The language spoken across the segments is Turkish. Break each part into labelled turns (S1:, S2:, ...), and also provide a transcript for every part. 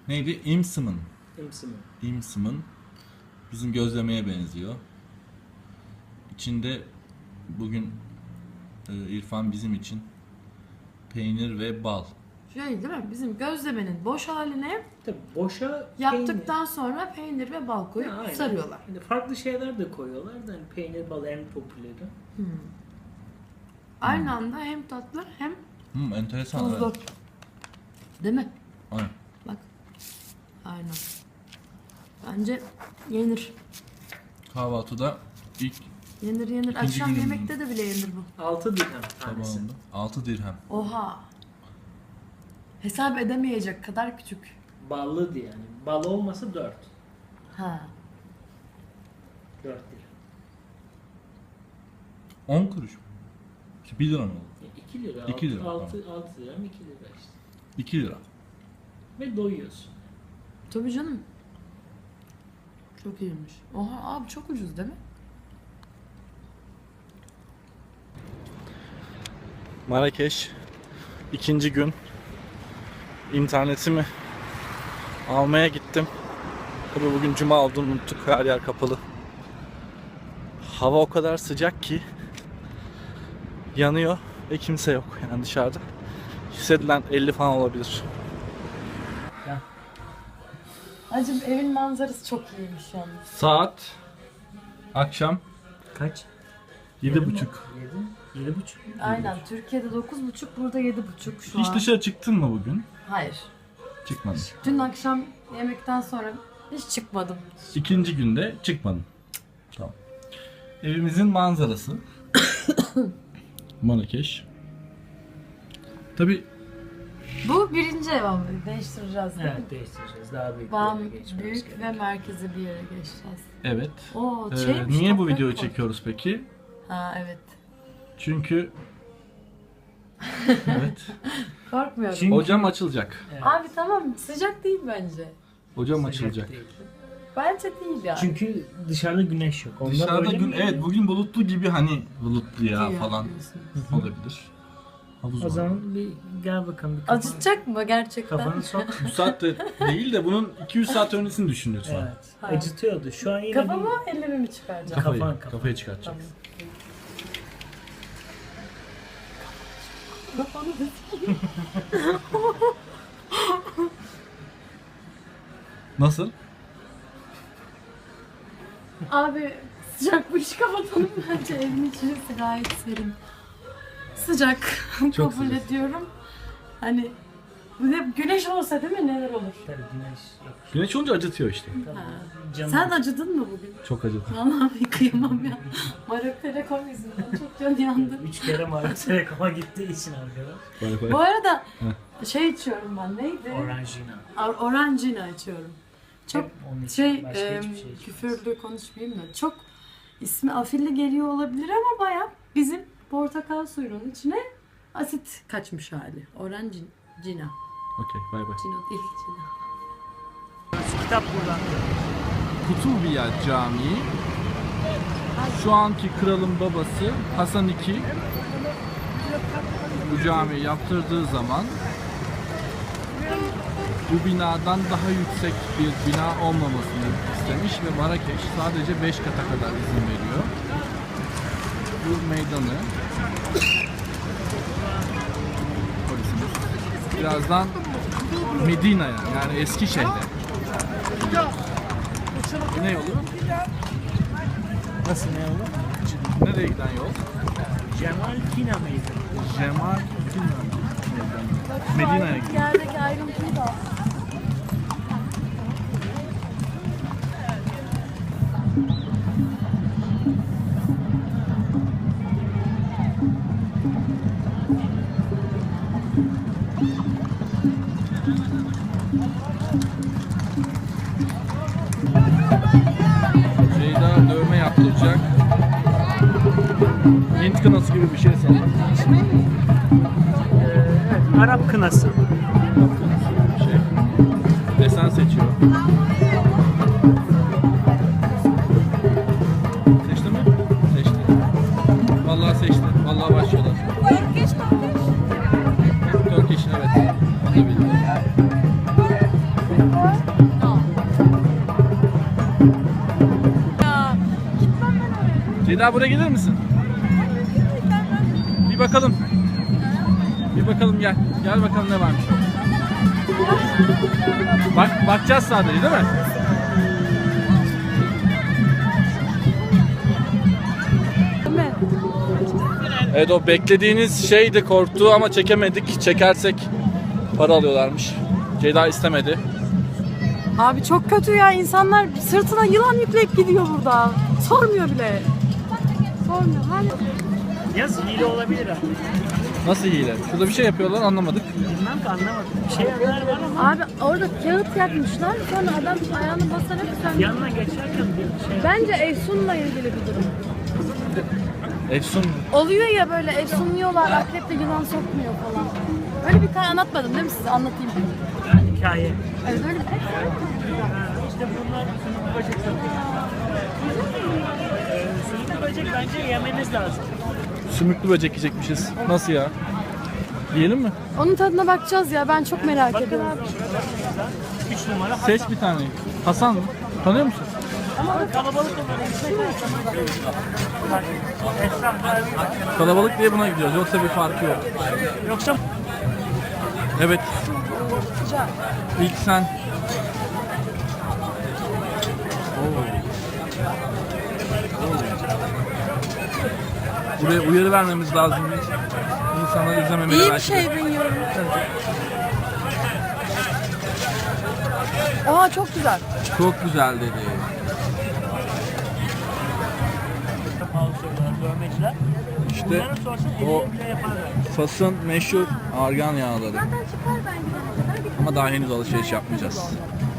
S1: Neydi? İmsımın.
S2: İmsimi.
S1: İmsımın. Bizim gözlemeye benziyor. İçinde bugün İrfan bizim için peynir ve bal.
S3: Şey değil mi? Bizim gözlemenin boş haline
S2: Tabii boşa
S3: yaptıktan sonra peynir ve bal koyup
S2: aynen.
S3: sarıyorlar.
S2: Yani farklı şeyler de koyuyorlar da hani peynir, bal en popüleri.
S3: Aynı anda hem tatlı hem
S1: Enteresan.
S3: tuzlu.
S1: Evet.
S3: Değil mi?
S1: Aynen.
S3: Bak. Aynen. Bence yenir.
S1: Kahvaltıda ilk
S3: Yenir.
S1: İkinci
S3: Akşam
S1: günün-
S3: yemekte de bile yenir bu.
S2: 6 dirhem tanesi.
S1: tabağında 6 dirhem.
S3: Oha. Hesap edemeyecek kadar küçük.
S2: Ballı yani. Bal olmasa 4.
S3: Ha.
S2: 4 dirhem.
S1: 10 kuruş mu? 1 lira mı oldu?
S2: 2 lira.
S1: 2 lira,
S2: 6 dirhem 2 lira işte.
S1: 2 lira.
S2: Ve doyuyorsun.
S3: Tabii canım. Çok iyiymiş. Oha abi çok ucuz değil mi?
S1: Marrakeş ikinci gün internetimi almaya gittim. Tabii bugün cuma olduğunu unuttuk. Her yer kapalı. Hava o kadar sıcak ki yanıyor ve kimse yok yani dışarıda. Hissedilen 50 falan olabilir.
S3: Acım evin manzarası çok iyiymiş yalnız.
S1: Saat akşam
S2: Kaç?
S1: 7:30.
S2: 7,5.
S3: Aynen. Türkiye'de 9.30, burada 7.30 şu
S1: Hiç
S3: an.
S1: dışarı çıktın mı bugün?
S3: Hayır.
S1: Çıkmadım.
S3: Dün akşam yemekten sonra hiç çıkmadım.
S1: İkinci günde çıkmadım. Tamam. Evimizin manzarası. Marrakeş. Tabii
S3: Bu birinci ev ama değiştireceğiz değil mi?
S2: Evet değiştireceğiz. Daha büyük bir
S3: Bam
S2: yere geçmemiz
S3: büyük
S2: gerekiyor.
S3: ve merkezi bir yere geçeceğiz.
S1: evet.
S3: Oo,
S1: Niye bu videoyu çekiyoruz peki?
S3: Ha evet.
S1: Çünkü evet.
S3: Korkmuyorum.
S2: Çünkü-
S1: Ocağım açılacak.
S2: Evet.
S3: Abi tamam sıcak değil bence.
S1: Ocağım
S2: Sıcak
S1: açılacak.
S2: değil.
S3: Bence değil ya.
S2: Çünkü dışarıda güneş yok. Onlar
S1: Dışarıda
S2: öyle
S1: gün
S2: mi?
S1: evet bugün bulutlu gibi hani bulutlu ya
S3: İyi
S1: falan
S3: yapıyorsun.
S1: olabilir. Havuz
S2: O
S1: var.
S2: zaman bir gel bakalım. Bir kafanı,
S3: Acıtacak mı gerçekten?
S2: kafanı sok.
S1: Bu saatte değil de bunun 200 saat öncesini düşün lütfen.
S2: Evet.
S3: Ha.
S2: Acıtıyordu. Şu an yine
S3: Kafamı ellerimi mi çıkaracağım?
S1: Kafayı,
S2: Kafan.
S1: kafayı çıkartacak.
S3: Tamam. Kafanı
S1: Nasıl?
S3: Abi sıcak bu işi kapatalım bence evin içerisi gayet serin. Sıcak
S1: Çok
S3: kabul
S1: sıcak.
S3: ediyorum. Hani bu ne güneş olsa değil mi neler olur?
S2: tabii güneş yok.
S1: Güneş olunca acıtıyor işte.
S2: Tabii canım.
S3: Sen acıdın mı bugün?
S1: Çok acıtıyor.
S3: Vallahi kıyamam ya. Marok Telekom yüzünden çok can yandı.
S2: 3 kere Mario Telekom'a gittiği için arkadaş.
S1: Bay
S3: Bu
S1: bay.
S3: arada şey içiyorum ben neydi?
S2: Orangina.
S3: Orangina içiyorum. Çok
S2: Hep onun için.
S3: şey
S2: Başka hiçbir şey içmiyoruz.
S3: küfürlü konuşmayayım da çok ismi afilli geliyor olabilir ama baya bizim portakal suyunun içine asit kaçmış hali. Orangina.
S1: Okey bay bay.
S3: Cino değil Cina.
S2: Kitap buradan.
S1: Kutubiya Camii şu anki kralın babası Hasan II bu camiyi yaptırdığı zaman bu binadan daha yüksek bir bina olmamasını istemiş ve Marrakeş sadece 5 kata kadar izin veriyor. Bu meydanı polisimiz birazdan Medina'ya yani Eskişehir'e ne yolu?
S2: Nasıl ne olur?
S1: Nereye giden yol?
S2: Cemal Kina mıydı?
S1: Cemal Medina'ya gidiyor.
S3: Yerdeki ayrıntıyı da
S1: Ceyda dövme yaptıracak. Hint kınası gibi bir şey sanırım.
S2: Evet, Arap kınası.
S1: Bir şey. Desen seçiyor. Seçti mi? Seçti. Vallahi seçti. Vallahi başlıyorlar. Turkish evet. Onu da bildim. Ceyda buraya gelir misin? Bir bakalım. Bir bakalım gel. Gel bakalım ne varmış. Bakacağız sadece değil mi? Evet, o beklediğiniz şeydi, korktu ama çekemedik. Çekersek para alıyorlarmış. Ceyda istemedi.
S3: Abi çok kötü ya, insanlar sırtına yılan yükleyip gidiyor burada. Sormuyor bile. Sormuyor.
S2: Yaz hile olabilir abi.
S1: Nasıl hile? Şurada bir şey yapıyorlar, anlamadık.
S2: Bilmem ki anlamadım. Bir şeyler var ama
S3: Abi orada kağıt yakmışlar. Sonra adam ayağını basarak sen...
S2: yanına geçerken bir şey.
S3: Bence Efsun'la ilgili bir durum.
S1: Efsun.
S3: Oluyor ya böyle efsunluyorlar, akreple yılan sokmuyor falan. Öyle bir tane anlatmadım değil mi size? Anlatayım.
S2: Hikaye.
S3: Evet öyle bir
S2: İşte bunlar sümüklü böcek satıyor. Sümüklü böcek bence yemeniz lazım.
S1: Sümüklü böcek yiyecekmişiz. Nasıl ya? Yiyelim mi?
S3: Onun tadına bakacağız ya, ben çok merak
S2: Bakın
S3: ediyorum.
S2: abi şurada 3 numara Hasan.
S1: Seç bir tane. Hasan mı? Tanıyor musun?
S2: Kalabalık olur. Esnaflar
S1: Kalabalık diye buna gidiyoruz. Yoksa bir farkı yok.
S2: yoksa
S1: Evet. İlk sen. Buraya uyarı vermemiz lazım. İnsanlar izlememeli
S3: İyi bir
S1: belki de.
S3: şey bilmiyorum. Aa çok güzel.
S1: Çok güzel dedi.
S2: pahalı söylüyorlar dövmeciler.
S1: İşte
S2: Bunların sorsun
S1: o
S2: 50 bile yaparlar.
S1: Fas'ın meşhur argan yağları. Ama daha henüz alışveriş yapmayacağız.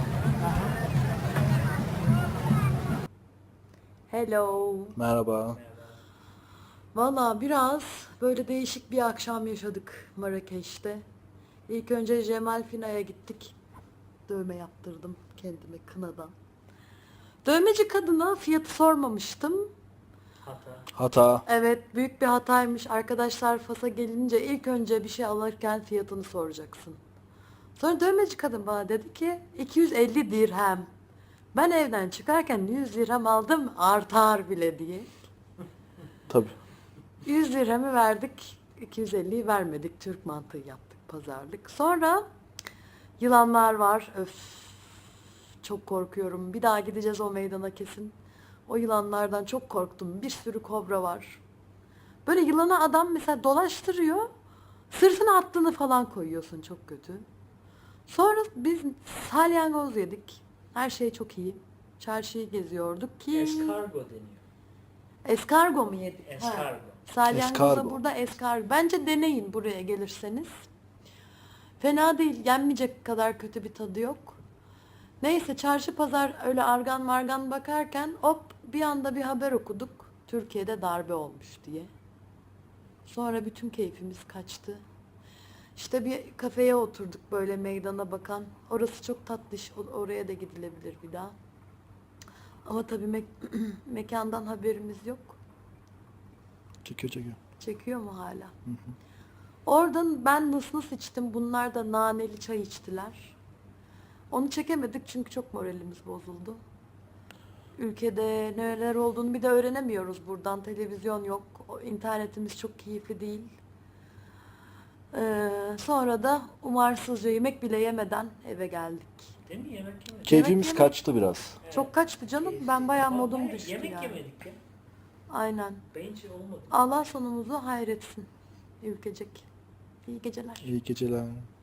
S3: Hello.
S1: Merhaba.
S3: Valla biraz böyle değişik bir akşam yaşadık Marrakeş'te. İlk önce Cemal Fina'ya gittik. Dövme yaptırdım kendime kınadan. Dövmeci kadına fiyatı sormamıştım.
S1: Hata.
S3: Evet, büyük bir hataymış. Arkadaşlar Fas'a gelince ilk önce bir şey alırken fiyatını soracaksın. Sonra dövmeci kadın bana dedi ki 250 dirhem. Ben evden çıkarken 100 dirhem aldım, artar bile diye.
S1: Tabii.
S3: 100 dirhemi verdik, 250'yi vermedik. Türk mantığı yaptık, pazarlık. Sonra yılanlar var. Öf, çok korkuyorum. Bir daha gideceğiz o meydana kesin. O yılanlardan çok korktum. Bir sürü kobra var. Böyle yılana adam mesela dolaştırıyor. Sırtına attığını falan koyuyorsun, çok kötü. Sonra biz salyangoz yedik. Her şey çok iyi. Çarşıyı geziyorduk ki...
S2: Eskargo deniyor.
S3: Eskargo mu yedik?
S2: Eskargo.
S3: Ha. Salyangoza
S1: Eskargo.
S3: burada eskargo. Bence deneyin buraya gelirseniz. Fena değil. Yenmeyecek kadar kötü bir tadı yok. Neyse çarşı pazar öyle argan margan bakarken hop bir anda bir haber okuduk. Türkiye'de darbe olmuş diye. Sonra bütün keyfimiz kaçtı. İşte bir kafeye oturduk böyle meydana bakan. Orası çok tatlış. Oraya da gidilebilir bir daha. Ama tabii mekandan haberimiz yok.
S1: Çekiyor.
S3: Çekiyor mu hala? Oradan ben nıs içtim. Bunlar da naneli çay içtiler. Onu çekemedik çünkü çok moralimiz bozuldu. Ülkede neler olduğunu bir de öğrenemiyoruz buradan. Televizyon yok. İnternetimiz çok keyifli değil. Sonra da umarsızca yemek bile yemeden eve geldik.
S2: Değil mi? Yemek yemedik.
S4: Keyfimiz
S3: Yemek
S4: kaçtı biraz.
S3: Çok kaçtı canım. Ben bayağı modum
S2: Hayır,
S3: düştü
S2: yemek
S3: yani.
S2: yemedik ya.
S3: Aynen.
S2: Bence olmadı.
S3: Allah sonumuzu hayretsin. Ülkecek. İyi geceler.
S4: İyi geceler.